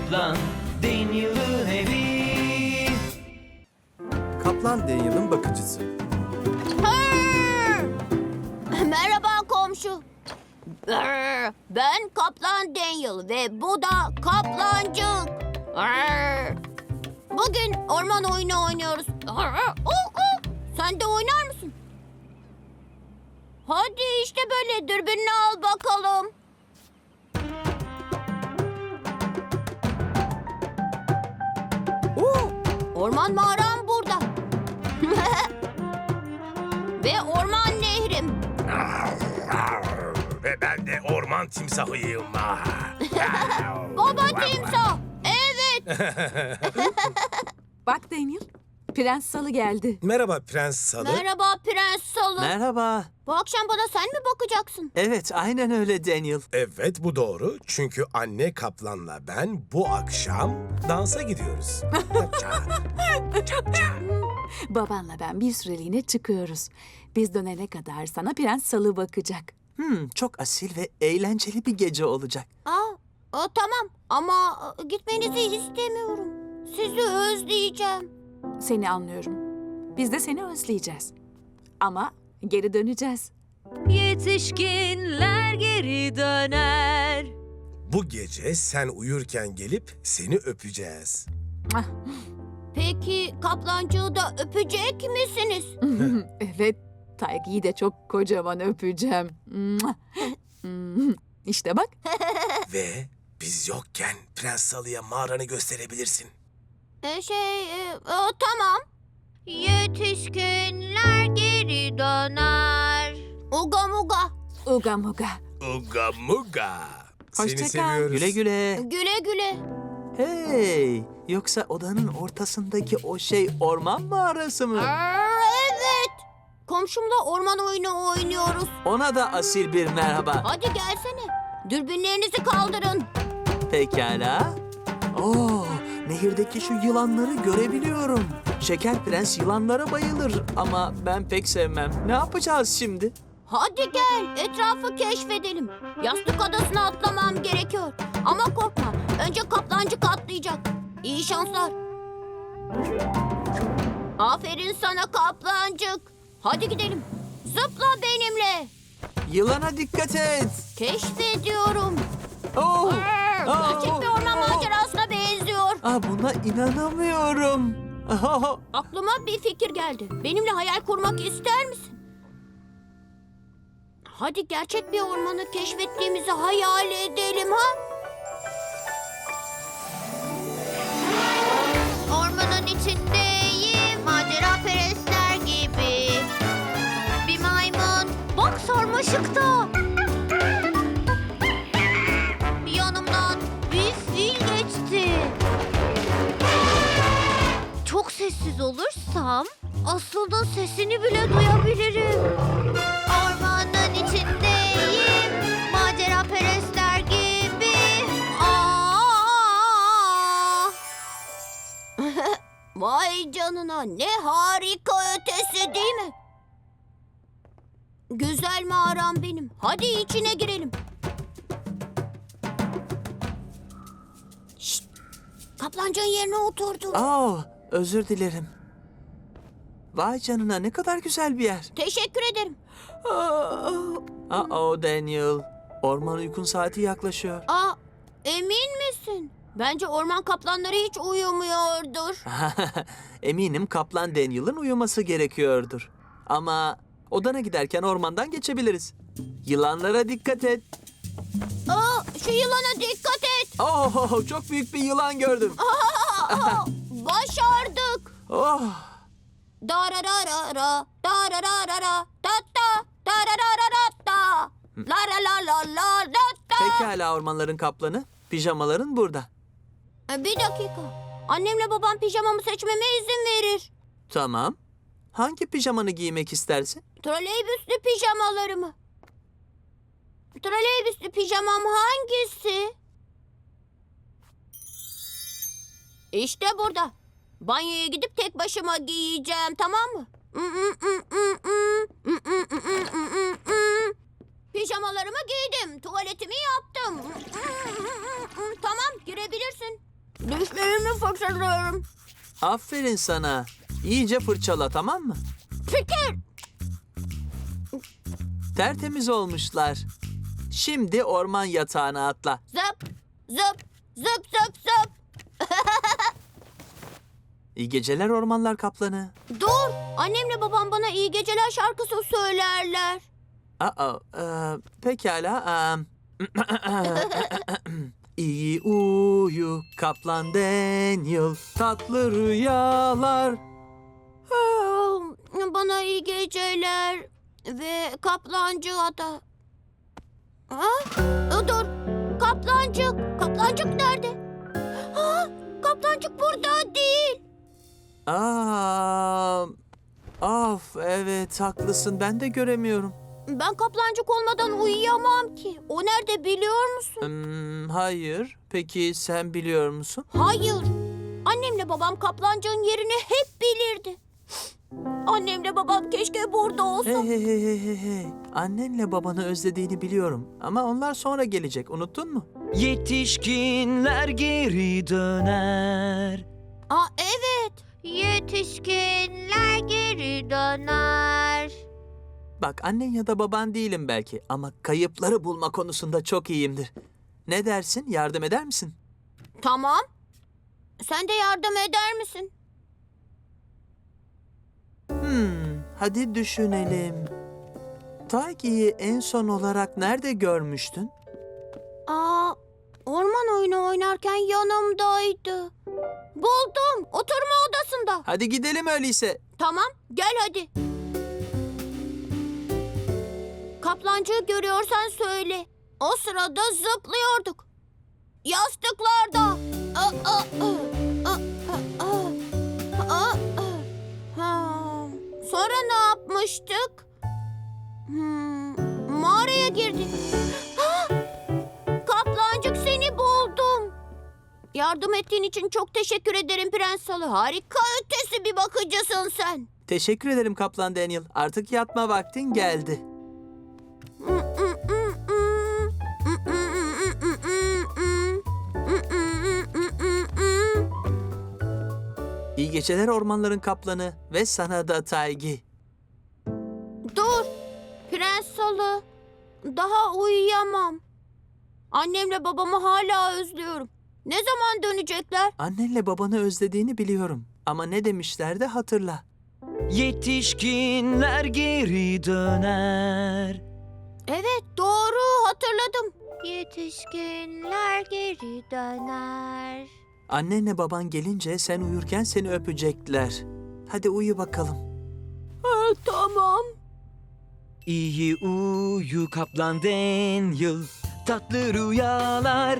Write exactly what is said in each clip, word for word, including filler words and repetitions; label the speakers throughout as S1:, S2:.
S1: Kaplan Daniel'ın evi.
S2: Kaplan Daniel'ın bakıcısı.
S3: Hırr! Merhaba komşu. Hırr! Ben Kaplan Daniel ve bu da Kaplancık. Hırr! Bugün orman oyunu oynuyoruz. Hırr! Oh, oh! Sen de oynar mısın? Hadi işte böyle dürbününü al bakalım. Oo, orman mağaram burada. Ve orman nehrim.
S4: Ve ben de orman timsahıyım.
S3: Baba timsah. Evet.
S5: Bak Daniel, Prens Salı geldi.
S4: Merhaba Prens Salı.
S3: Merhaba Prens Salı.
S6: Merhaba.
S3: Bu akşam bana sen mi bakacaksın?
S6: Evet, aynen öyle Daniel.
S4: Evet bu doğru. Çünkü anne kaplanla ben bu akşam dansa gidiyoruz.
S5: Babanla ben bir süreliğine çıkıyoruz. Biz dönene kadar sana Prens Salı bakacak.
S6: Hmm, çok asil ve eğlenceli bir gece olacak.
S3: Aa, o, tamam ama e, gitmenizi istemiyorum. Sizi özleyeceğim.
S5: Seni anlıyorum. Biz de seni özleyeceğiz. Ama geri döneceğiz.
S7: Yetişkinler geri döner.
S4: Bu gece sen uyurken gelip seni öpeceğiz.
S5: Ah,
S3: Peki kaplancığı da öpecek misiniz?
S5: evet, Taygi'yi de çok kocaman öpeceğim. İşte bak.
S4: Ve biz yokken Prens Salı'ya mağaranı gösterebilirsin.
S3: E, şey, e, o, tamam. Yetişkinler geri döner. Uga muga.
S5: Uga muga.
S4: Uga muga. Seni
S5: Hoşça kal.
S4: seviyoruz.
S6: Güle güle.
S3: Güle güle.
S6: Hey, yoksa odanın ortasındaki o şey orman mağarası mı?
S3: Aa, evet. Komşumla orman oyunu oynuyoruz.
S6: Ona da asil bir merhaba.
S3: Hadi gelsene. Dürbünlerinizi kaldırın.
S6: Pekala. Oo, nehirdeki şu yılanları görebiliyorum. Şeker Prens yılanlara bayılır ama ben pek sevmem. Ne yapacağız şimdi?
S3: Hadi gel, etrafı keşfedelim. Yastık adasına atlamam gerekiyor. Ama korkma, önce kaplancık atlayacak. İyi şanslar. Aferin sana kaplancık. Hadi gidelim. Zıpla benimle.
S6: Yılana dikkat et.
S3: Keşfediyorum.
S6: Oh,
S3: Arr,
S6: Aa,
S3: Gerçek bir orman
S6: aa.
S3: macerasına benziyor.
S6: Aa, buna inanamıyorum. Ah,
S3: Aklıma bir fikir geldi. Benimle hayal kurmak ister misin? Hadi gerçek bir ormanı keşfettiğimizi hayal edelim ha? Ormanın içindeyim, macera perestler gibi. Bir maymun, bak sarmaşıkta. Yanımdan bir fil geçti. Çok sessiz olursam aslında sesini bile duyabilirim. Ormanın içindeyim, macera perestler gibi. Aa! Vay canına, ne harika ötesi değil mi? Güzel mağaram benim. Hadi içine girelim. Şşt! Kaplancığın yerine oturdu.
S6: oh, özür dilerim. Vay canına, ne kadar güzel bir yer.
S3: Teşekkür ederim.
S6: Uh-oh Daniel. Orman uykun saati yaklaşıyor.
S3: Aa, emin misin? Bence orman kaplanları hiç uyumuyordur.
S6: Eminim Kaplan Daniel'ın uyuması gerekiyordur. Ama odana giderken ormandan geçebiliriz. Yılanlara dikkat et.
S3: Aa, şu yılana dikkat et.
S6: Oh, çok büyük bir yılan gördüm.
S3: Aa, başardık.
S6: Oh,
S3: Darararara, darararara, tatta, darararara, la la la la la la ta.
S6: pekala ormanların kaplanı. Pijamaların burada.
S3: E, Bir dakika. Annemle babam pijamamı seçmeme izin verir.
S6: Tamam. Hangi pijamanı giymek istersin?
S3: Troleybüslü pijamalarımı. Troleybüslü pijamam hangisi? İşte burada. Banyoya gidip tek başıma giyeceğim, tamam mı? Pijamalarımı giydim, tuvaletimi yaptım. Tamam, girebilirsin. Dişlerimi fırçalıyorum.
S6: Aferin sana. İyice fırçala, tamam mı?
S3: Fikir.
S6: Tertemiz olmuşlar. Şimdi orman yatağına atla.
S3: Zıp, zıp, zıp, zıp, zıp.
S6: İyi geceler ormanlar kaplanı.
S3: Dur, annemle babam bana iyi geceler şarkısı söylerler.
S6: Aa, e, pekala. E, İyi uyu kaplan Daniel, tatlı rüyalar.
S3: Aa, Bana iyi geceler ve kaplancı ada. Ha? Dur, kaplancık. Kaplancık nerede? Ha, kaplancık burada değil.
S6: Aa, of evet haklısın, ben de göremiyorum.
S3: Ben kaplancık olmadan uyuyamam ki. O nerede biliyor musun?
S6: Hmm, hayır. Peki sen biliyor musun?
S3: Hayır. Annemle babam kaplancığın yerini hep bilirdi. Annemle babam keşke burada olsa.
S6: Hey hey hey hey hey hey. Annenle babanı özlediğini biliyorum. Ama onlar sonra gelecek. Unuttun mu?
S1: Yetişkinler geri döner.
S3: Aa, evet. Yetişkinler geri döner.
S6: Bak annen ya da baban değilim belki. Ama kayıpları bulma konusunda çok iyiyimdir. Ne dersin? Yardım eder misin?
S3: Tamam. Sen de yardım eder misin?
S6: Hmm, hadi düşünelim. Taygi'yi en son olarak nerede görmüştün?
S3: Aa, orman oyunu oynarken yanımdaydı. Buldum. Oturma odasında.
S6: Hadi gidelim öyleyse.
S3: Tamam, gel hadi. Kaplancığı görüyorsan söyle. O sırada zıplıyorduk. Yastıklarda. Aa, aa, aa, aa, aa, aa, aa. Ha. Sonra ne yapmıştık? Hmm, mağaraya girdik. Ha! Kaplancık, seni buldum. Yardım ettiğin için çok teşekkür ederim Prens Salı. Harika ötesi bir bakıcısın sen.
S6: Teşekkür ederim Kaplan Daniel. Artık yatma vaktin geldi. İyi geceler ormanların kaplanı ve sana da Taygi.
S3: Dur, Prens Salı. Daha uyuyamam. Annemle babamı hala özlüyorum. Ne zaman dönecekler?
S6: Annenle babanı özlediğini biliyorum. Ama ne demişlerdi hatırla.
S1: Yetişkinler geri döner.
S3: Evet, doğru hatırladım. Yetişkinler geri döner.
S6: Annenle baban gelince sen uyurken seni öpecekler. Hadi uyu bakalım.
S3: Ha, tamam.
S1: İyi uyu kaplan Daniel, tatlı rüyalar.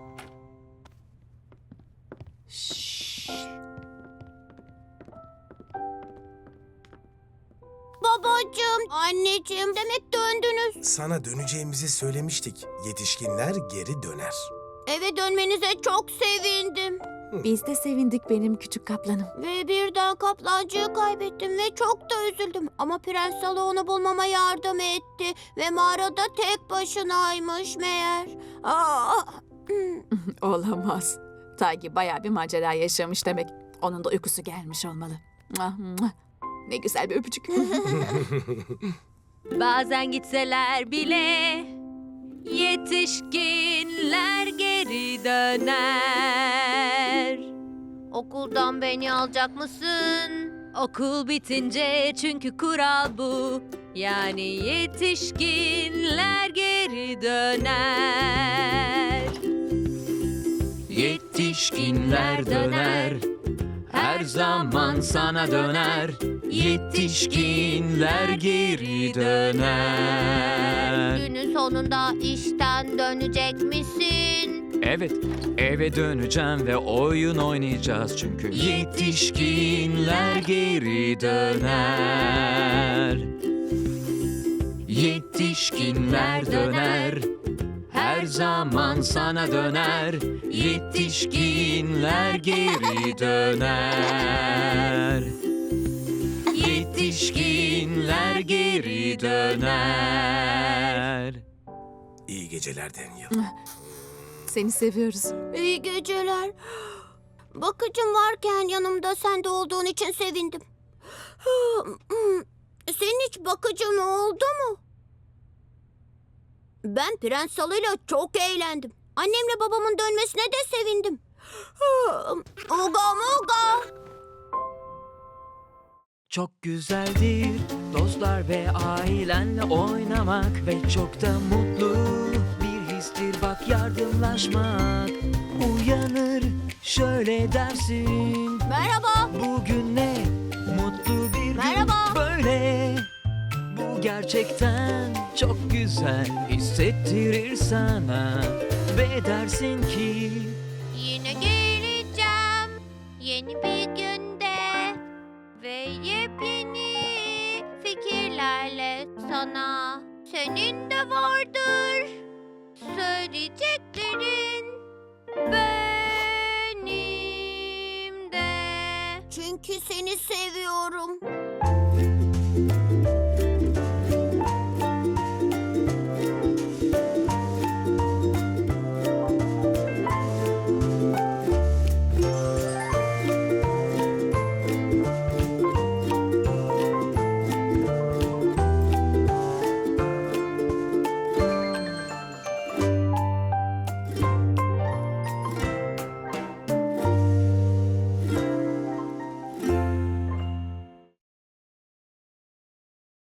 S3: Babacığım, anneciğim, demek döndünüz.
S4: Sana döneceğimizi söylemiştik. Yetişkinler geri döner.
S3: Eve dönmenize çok sevindim.
S5: Biz de sevindik benim küçük kaplanım.
S3: Ve birden kaplancığı kaybettim ve çok da üzüldüm. Ama Prens Salı onu bulmama yardım etti. Ve mağarada tek başınaymış meğer. Aa,
S5: Olamaz. Taygi bayağı bir macera yaşamış demek. Onun da uykusu gelmiş olmalı. Muah, muah. Ne güzel bir öpücük.
S7: Bazen gitseler bile yetişkinler geri döner.
S3: okuldan beni alacak mısın?
S7: Okul bitince çünkü kural bu. Yani yetişkinler geri döner.
S1: Yetişkinler döner, her zaman sana döner. Yetişkinler geri döner.
S3: Günün sonunda işten dönecek misin?
S1: Evet, eve döneceğim ve oyun oynayacağız çünkü. Yetişkinler geri döner. Yetişkinler döner, her zaman sana döner. Yetişkinler geri döner. Yetişkinler geri döner.
S4: İyi geceler Daniel.
S5: Seni seviyoruz.
S3: İyi geceler. Bakıcım varken yanımda sen de olduğun için sevindim. Senin hiç bakıcın oldu mu? Ben Prens Salı'yla çok eğlendim. Annemle babamın dönmesine de sevindim. Uga muga.
S1: Çok güzeldir dostlar ve ailenle oynamak ve çok da mutlu bir histir bak yardımlaşmak. Uyanır şöyle dersin,
S3: Merhaba.
S1: bugün ne mutlu bir gün
S3: Merhaba.
S1: böyle. Bu gerçekten çok güzel hissettirir sana ve dersin ki
S3: Yine geleceğim yeni bir günde ve yepyeni fikirlerle sana. Senin de vardır söyleyeceklerin, benim de. Çünkü seni seviyorum.